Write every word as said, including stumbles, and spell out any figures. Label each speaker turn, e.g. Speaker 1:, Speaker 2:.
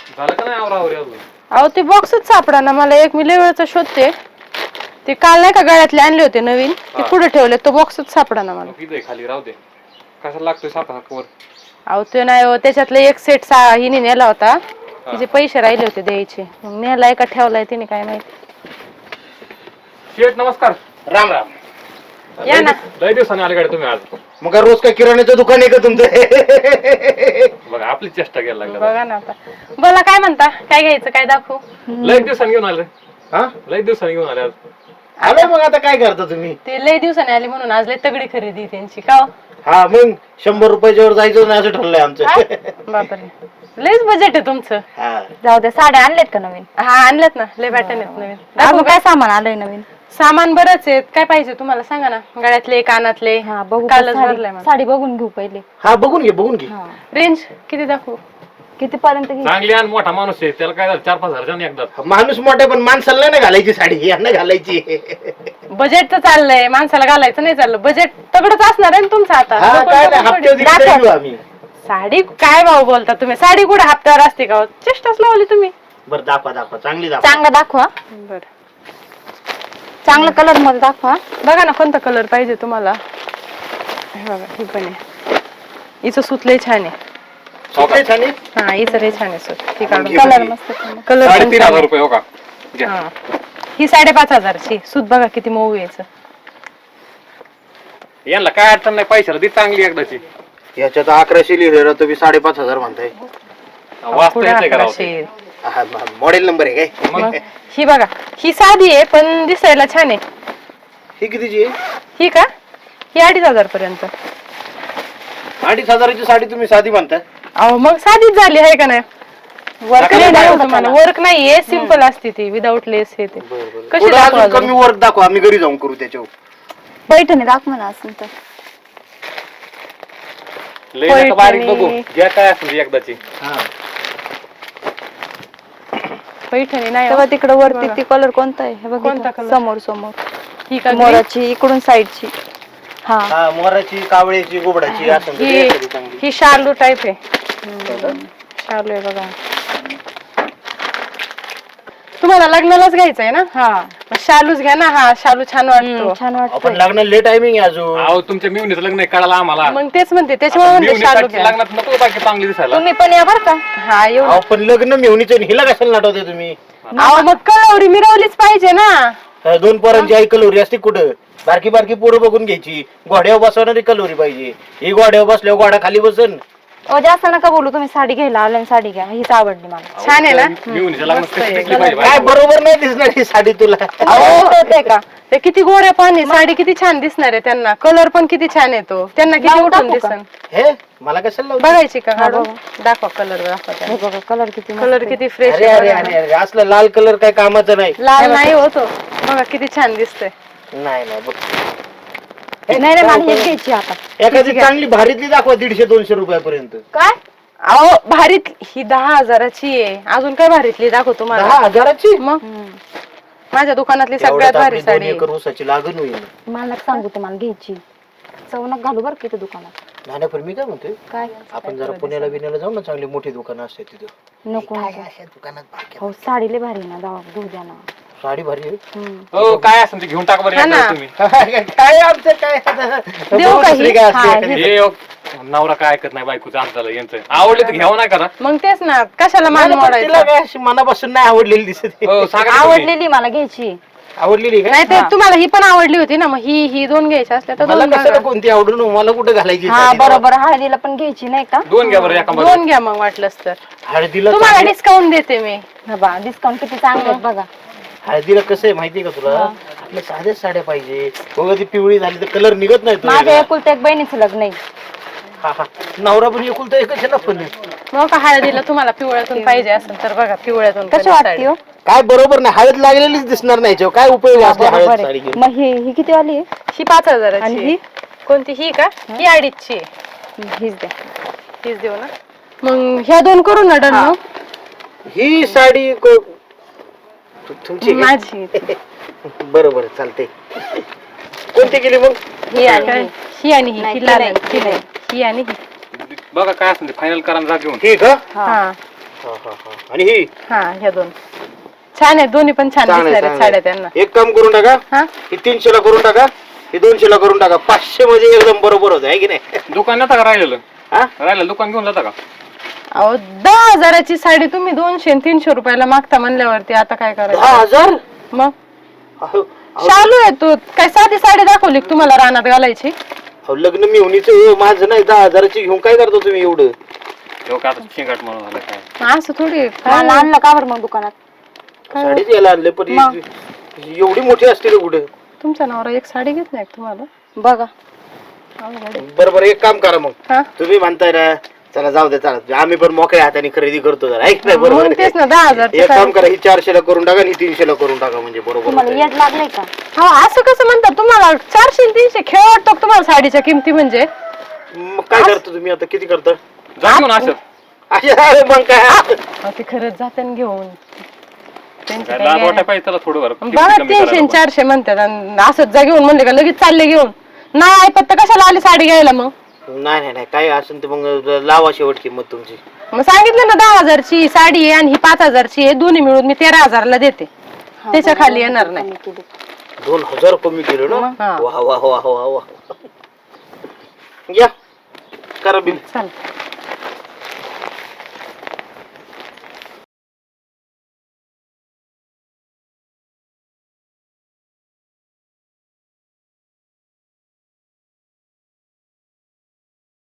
Speaker 1: झालं का नाही आवरावरी अजून?
Speaker 2: अहो ते बॉक्सच सापडा ना मला. एक मी लय वेळचा शोधते. ते काल नाही का गळ्यातले आणले होते नवीन, ते पुढे ठेवले. तो बॉक्सच सापडा ना मला.
Speaker 1: किती खाली राहू दे. कशाला लागतोय सारखा वर?
Speaker 2: अहो ते नाही हो, त्याच्यातले एक सेट सा हिने नेला होता. तिचे पैसे राहिले होते द्यायचे, मग नेलाय का ठेवलाय तिने काय माहिती.
Speaker 1: शेठ नमस्कार.
Speaker 3: राम राम.
Speaker 2: या ना.
Speaker 1: लय दिवसाने आले गाडी तुम्ही आज.
Speaker 3: मग रोज काय किराण्याचं दुकान आहे का तुमचं?
Speaker 1: बघा आपली चेष्टा घ्यायला लागला.
Speaker 2: बघा ना आता. बोला काय म्हणता, काय घ्यायचं, काय दाखवू?
Speaker 1: लय दिवसांनी घेऊन आले.
Speaker 3: हा
Speaker 1: लय दिवसांनी घेऊन आले आज.
Speaker 3: आलोय मग आता काय करता तुम्ही?
Speaker 2: ते लय दिवसाने आले म्हणून आज लय तगडी खरेदी आहे त्यांची. का हो?
Speaker 3: हा मग शंभर रुपयाच्या वर जायचं नाही असं ठरलंय आमचं.
Speaker 2: बापरे, लयच बजेट आहे तुमचं.
Speaker 3: हा
Speaker 4: जाऊ द्या. साड्या आणल्यात का नवीन?
Speaker 2: हा आणल्यात ना, लय पॅटर्न आहेत नवीन.
Speaker 4: अजून काय सामान आलंय नवीन?
Speaker 2: सामान बरंच आहेत. काय पाहिजे तुम्हाला सांगा ना. गळ्यातले, कानातले.
Speaker 4: हा बघू.
Speaker 2: कालच भरलाय मला.
Speaker 4: साडी बघून घेऊ पहिले.
Speaker 3: हा बघून घे बघून घे.
Speaker 2: रेंज किती दाखवू?
Speaker 4: किती पर्यंत घेऊ?
Speaker 1: चांगली आणि मोठा माणूस आहे, त्याला काय झालं चार पाच हजार एकदा.
Speaker 3: माणूस मोठे पण माणसाला नाही घालायची साडी, यांना घालायची.
Speaker 2: बजेट तर चाललंय, माणसाला घालायचं नाही चाललं. बजेट तगडच असणार आहे ना तुमचं आता.
Speaker 3: हा
Speaker 2: लोकं
Speaker 3: काय
Speaker 2: लोकं
Speaker 3: नाही, हप्त्यावर
Speaker 2: थोडी-
Speaker 3: दिवशी घेऊ आम्ही.
Speaker 2: साडी काय भाऊ बोलता तुम्ही? साडी कुठे हप्त्यावर असते का? चेष्टाच लावली तुम्ही.
Speaker 3: बरं दाखवा दाखवा चांगली दाखवा.
Speaker 4: चांगला दाखवा.
Speaker 2: बरं
Speaker 4: चांगला कलर मध्ये दाखवा.
Speaker 2: बघा ना कोणता कलर पाहिजे तुम्हाला. हे बघा ही पण आहे. हिचं सूत लय छान आहे.
Speaker 3: सुटले छान आहे?
Speaker 2: हा हिचं लय छान आहे सूत. ती काढून
Speaker 3: घे
Speaker 4: कलर
Speaker 3: बघी.
Speaker 4: मस्त
Speaker 2: कलर
Speaker 1: साडे तीन हजार रुपये हो का? घ्या.
Speaker 2: हा ही साडेपाच हजारची सूत बघा किती मऊ यायचं.
Speaker 1: यांना काय अडचण नाही, पैशाला ती चांगली एकदाची.
Speaker 3: याच्यात अकराशे लिहिलं तुम्ही साडेपाच हजार म्हणताय.
Speaker 1: वाचता येते का राव ते?
Speaker 3: हा मॉडेल नंबर आहे काय?
Speaker 2: मग ही बघा ही साधी आहे पण दिसायला छान आहे.
Speaker 3: ही कितीची आहे?
Speaker 2: ही का? ही अडीच हजार पर्यंत.
Speaker 3: अडीच हजाराची साडी तुम्ही साधी म्हणताय?
Speaker 2: अहो मग साधीच झाली आहे का नाही? वर्क
Speaker 3: नका
Speaker 2: नाही
Speaker 3: नका
Speaker 2: तुम्हाला. वर्क नाहीये, सिम्पल असते ती विदाऊट लेस हे ते. कशी
Speaker 3: थोडं
Speaker 2: दाखवा
Speaker 3: अजून
Speaker 2: अजून?
Speaker 3: कमी वर्क दाखवा, आम्ही घरी जाऊन करू त्याच्यावर.
Speaker 4: पैठणी दाखवा ना असेल तर.
Speaker 1: लय नका बारीक
Speaker 2: पैठणी.
Speaker 1: बघू, घ्या काय असेल ती एकदाची.
Speaker 3: हा
Speaker 2: पैठणी नाही
Speaker 4: तेव्हा
Speaker 2: हो.
Speaker 4: तिकडे वरती ती कलर कोणता आहे हे
Speaker 2: कोणता
Speaker 4: बघ.
Speaker 2: color?
Speaker 4: समोर समोर
Speaker 2: ही का green?
Speaker 4: मोराची इकडून साईडची. हा
Speaker 3: हा मोराची, कावळ्याची, गोबडाची असं
Speaker 2: ही ही शालू टाईप आहे. शालू आहे बघा. तुम्हाला लग्नालाच घ्यायचं आहे ना?
Speaker 4: हा
Speaker 2: मग शालूच घ्या ना. हा शालू छान वाटतो.
Speaker 4: छान
Speaker 3: आपण
Speaker 4: वाटतं.
Speaker 3: लग्न लेट टायमिंग आहे अजून.
Speaker 1: अहो तुमच्या मिवणीचं लग्न आहे, कळालं आम्हाला.
Speaker 2: मग तेच म्हणते त्याच्यामुळे म्हणते शालू
Speaker 1: मिवणीसाठी
Speaker 2: घ्या.
Speaker 1: लग्नात नको बाकी चांगली दिसायला.
Speaker 4: तुम्ही पण या बर का.
Speaker 2: हा येऊ.
Speaker 3: अहो, पण लग्न मेहुणीचं हिला कशाला नाटवते तुम्ही?
Speaker 2: अहो मग कलवरी मिरवलीच पाहिजे ना.
Speaker 3: अं, दोन पोरांची आई कलोरी असते कुठं? बारकी बारकी पोरं बघून घ्यायची. घोड्यावर बसवणारी कलोरी पाहिजे. ही घोड्यावर बसल्यावर घोडा खाली बसन.
Speaker 4: ओ जास्त नका बोलू. तुम्ही साडी घ्यायला आले आणि साडी घ्या. हीच आवडली मला.
Speaker 2: छान आहे ना.
Speaker 1: मिवणीच्या लग्नात
Speaker 2: मस्त
Speaker 1: कशी
Speaker 2: आहे.
Speaker 1: दिसली पाहिजे
Speaker 3: काय
Speaker 1: बाई?
Speaker 3: बरोबर नाही दिसणार ही साडी तुला.
Speaker 2: अहो होते का ते किती गोऱ्या पाणी साडी किती छान दिसणार आहे त्यांना. कलर पण किती छान येतो त्यांना. किती
Speaker 4: लावून
Speaker 2: उठून
Speaker 4: टाकू का?
Speaker 2: दिसन.
Speaker 3: हे मला कशाला लावते?
Speaker 2: बघायची का काढून? दाखवा कलर दाखवा.
Speaker 4: हे बघा कलर किती मस्त
Speaker 2: कलर
Speaker 4: आहे.
Speaker 2: किती फ्रेश
Speaker 3: अरे अरे अरे अरे असला लाल कलर काय कामाचा नाही.
Speaker 2: लाल नाही होतो. बघा किती छान दिसतंय.
Speaker 3: नाही नाही बघ.
Speaker 4: नाही नाही मला हेच घ्यायची आता.
Speaker 3: एखादी चांगली भारीतली दाखवा दीडशे दोनशे रुपयापर्यंत.
Speaker 4: काय
Speaker 2: अहो भारीत ही दहा हजाराची आहे. अजून काय भारीतली दाखव तुम्हाला.
Speaker 3: दहा हजाराची?
Speaker 2: मग माझ्या दुकानातली
Speaker 3: एवढ्यात
Speaker 2: सगळ्यात भारी
Speaker 3: आपली दोन
Speaker 2: साडी आहे.
Speaker 3: एकर ऊसाची लागण होईल.
Speaker 4: मला सांगू तुम्हाला घ्यायची. चवनक घालू बरं किती दुकानात.
Speaker 3: नाही नाही, पण मी काय म्हणतोय
Speaker 4: काय
Speaker 3: आपण जरा पुण्याला बिण्याला जाऊ ना, चांगली मोठी दुकानं असते तिथं.
Speaker 4: नको नको.
Speaker 3: अशा दुकानात बारक्या
Speaker 4: हो साडी लय भारी आहे ना. दावा घेऊ द्या ना.
Speaker 3: साडी भारी आहे.
Speaker 4: हम्म.
Speaker 1: हो काय असेल ते घेऊन टाका बरं
Speaker 2: हा ना.
Speaker 1: एकदा तुम्ही.
Speaker 3: काय आमचं काय
Speaker 2: देऊ का ही?
Speaker 3: दुसरी काय असते
Speaker 4: हा,
Speaker 3: एखादी?
Speaker 1: हे हो, नवरा काय ऐकत नाही बायकोचं आमचं यांचं. आवडले तर घ्यावं नाही करा.
Speaker 2: मग तेच ना कशाला मान
Speaker 3: नाही, पण तिला
Speaker 2: मोडायचं.
Speaker 3: काय अशी मनापासून नाही आवडलेली दिसत आहे.
Speaker 1: हो सांगा ना तुम्ही.
Speaker 4: आवडलेली मला घ्यायची.
Speaker 3: आवडलेली काय?
Speaker 2: नाही ते तुम्हाला ही पण आवडली होती ना. मग ही ही दोन घ्यायच्या असल्या तर
Speaker 3: मला
Speaker 2: दोन
Speaker 3: कशाला
Speaker 2: बघा.
Speaker 3: कोणती आवडून मला कुठे घालायची
Speaker 4: हा
Speaker 3: साडी?
Speaker 4: बरोबर. हळदीला पण घ्यायची नाही का.
Speaker 1: दोन घ्या बरं एका मध्ये.
Speaker 2: दोन घ्या मग वाटलंच तर.
Speaker 3: हळदीला
Speaker 2: तुम्हाला
Speaker 3: चांगली-
Speaker 2: डिस्काउंट देते मी.
Speaker 4: हा बा डिस्काउंट किती चांगले आहेत बघा.
Speaker 3: हळदीला कसं आहे माहितीये का तुला? आपल्या साध्याच साड्या पाहिजे. बघा ती पिवळी झाली तर कलर निघत नाही तो
Speaker 4: माझ्या
Speaker 3: वेगळा.
Speaker 4: एकुलत्या एक बहिणीचं लग्न आहे.
Speaker 3: हा हा नवरा पण एकुलता एकच आहे ना पण.
Speaker 2: मग का हळदीला तुम्हाला पिवळ्यातून पाहिजे असेल तर बघा पिवळ्यातून
Speaker 4: कशी
Speaker 2: कलर
Speaker 4: वाटते
Speaker 2: साडी.
Speaker 4: हो.
Speaker 3: काय बरोबर नाही, हळद लागलेलीच दिसणार नाही याच्यावर. काय उपयोग असला हळद
Speaker 4: बरोबर
Speaker 3: साडी
Speaker 4: आहे.
Speaker 3: घेऊन?
Speaker 4: मग ही ही किती वाली आहे.
Speaker 2: ही पाच हजाराची
Speaker 4: आणि
Speaker 2: आहे.
Speaker 4: ही?
Speaker 2: कोणती ही का? ही अडीचची आहे.
Speaker 4: हीच द्या.
Speaker 2: हीच देऊ ना. मग ह्या दोन करू ना डन मग.
Speaker 3: ही साडी को- तु- तुमची आहे?
Speaker 2: माझी
Speaker 3: बरोबर चालते. कोणती केली मग?
Speaker 4: ही आणि
Speaker 2: काय?
Speaker 4: ही.
Speaker 2: ही आणि ही
Speaker 4: नाही,
Speaker 2: ही
Speaker 4: ती
Speaker 2: लाल
Speaker 4: नाही,
Speaker 2: आहे.
Speaker 4: ती
Speaker 2: ही नाही. ही आणि ही.
Speaker 1: बघा काय असेल ते फायनल करा आणि जा घेऊन.
Speaker 3: ठीक हा
Speaker 2: हा
Speaker 3: हा, हा, हा. आणि ही
Speaker 2: हा ह्या दोन छान आहेत, दोन्ही पण छान
Speaker 3: चांगलं आहे,
Speaker 2: दिसणार आहेत
Speaker 3: चांगलं
Speaker 2: साड्या
Speaker 3: आहे.
Speaker 2: त्यांना.
Speaker 3: एक काम करून टाका,
Speaker 2: हा
Speaker 3: ही तीनशेला करून टाका, ही दोनशेला करून टाका. पाचशे मध्ये एकदम बरोबर होत आहे की नाही?
Speaker 1: दुकान जाता का राहिलेलं
Speaker 3: हा?
Speaker 1: राहिलेलं दुकान घेऊन जाता का?
Speaker 2: अहो दहा हजाराची साडी तुम्ही दोनशे आणि तीनशे रुपयाला मागता म्हणल्यावरती आता काय
Speaker 3: दहा
Speaker 2: करायचं?
Speaker 3: हजार
Speaker 2: मग
Speaker 3: अहो, अहो,
Speaker 2: शालू आहे तू काय साधी साडी दाखवली का तुम्हाला रानात घालायची?
Speaker 3: अहो, लग्न मिळवणीचं माझं नाही, दहा हजाराची घेऊन काय करतो तुम्ही एवढं?
Speaker 1: तेव्हा का आता शिंगाट म्हणून झालं काय
Speaker 2: असं थोडी आहे.
Speaker 4: मला
Speaker 2: काय
Speaker 4: आणलं का बरं मग दुकानात?
Speaker 3: साडीच यायला आणले पण ही-
Speaker 4: मग?
Speaker 3: एवढी मोठी असते का कुठं?
Speaker 2: तुमचा नवरा एक साडी घेत नाही का तुम्हाला?
Speaker 4: बघा
Speaker 2: अवघड आहे.
Speaker 3: बरं बरं एक काम करा मग,
Speaker 2: हा
Speaker 3: तुम्ही म्हणताय ना, चला जाऊ दे, चला आम्ही पण मोकळ्या हाताने खरेदी करतो जरा, ऐक नाही बरोबर
Speaker 2: मग
Speaker 3: आहे.
Speaker 2: तेच ना दहा हजार
Speaker 3: एक काम करा, ही चारशेला करून टाका आणि ही तीनशेला करून टाका, म्हणजे बरोबर
Speaker 4: तुम्हाला
Speaker 3: होतंय.
Speaker 4: येड लागलंय का?
Speaker 2: हो असं कसं म्हणतात तुम्हाला? चारशे आणि तीनशे खेळ वाटतो का तुम्हाला साडीच्या किमती म्हणजे?
Speaker 3: मग काय करतो तुम्ही आता, किती करता?
Speaker 1: जा घेऊन असं
Speaker 3: अरे मग काय
Speaker 2: अहो, ते खरंच जाते ना घेऊन त्यांचं
Speaker 1: काय
Speaker 2: काय
Speaker 1: लाज
Speaker 2: घेणं.
Speaker 1: वाटाय पाहिजे त्याला थोडं बरं
Speaker 2: बघा तीनशे आणि चारशे म्हणतात आणि असंच जा घेऊन म्हणले का लगेच चालले घेऊन. नाही ऐपत तर कशाला आली साडी घ्यायला मग?
Speaker 3: नाही नाही नाही, काय असेल ते मग लावा शेवट किंमत तुमची.
Speaker 2: मग सांगितलं ना दहा हजारची साडी आहे आणि ही पाच हजारची आहे, दोन्ही मिळून मी तेरा हजारला देते.
Speaker 4: हा,
Speaker 2: त्याच्या
Speaker 4: बघा,
Speaker 2: खाली येणार नाही.
Speaker 4: कमी केली.
Speaker 3: दोन हजार कमी केलं ना?
Speaker 2: हा.
Speaker 3: वा वा वा वा वा. या करा बिल.
Speaker 2: चालतं.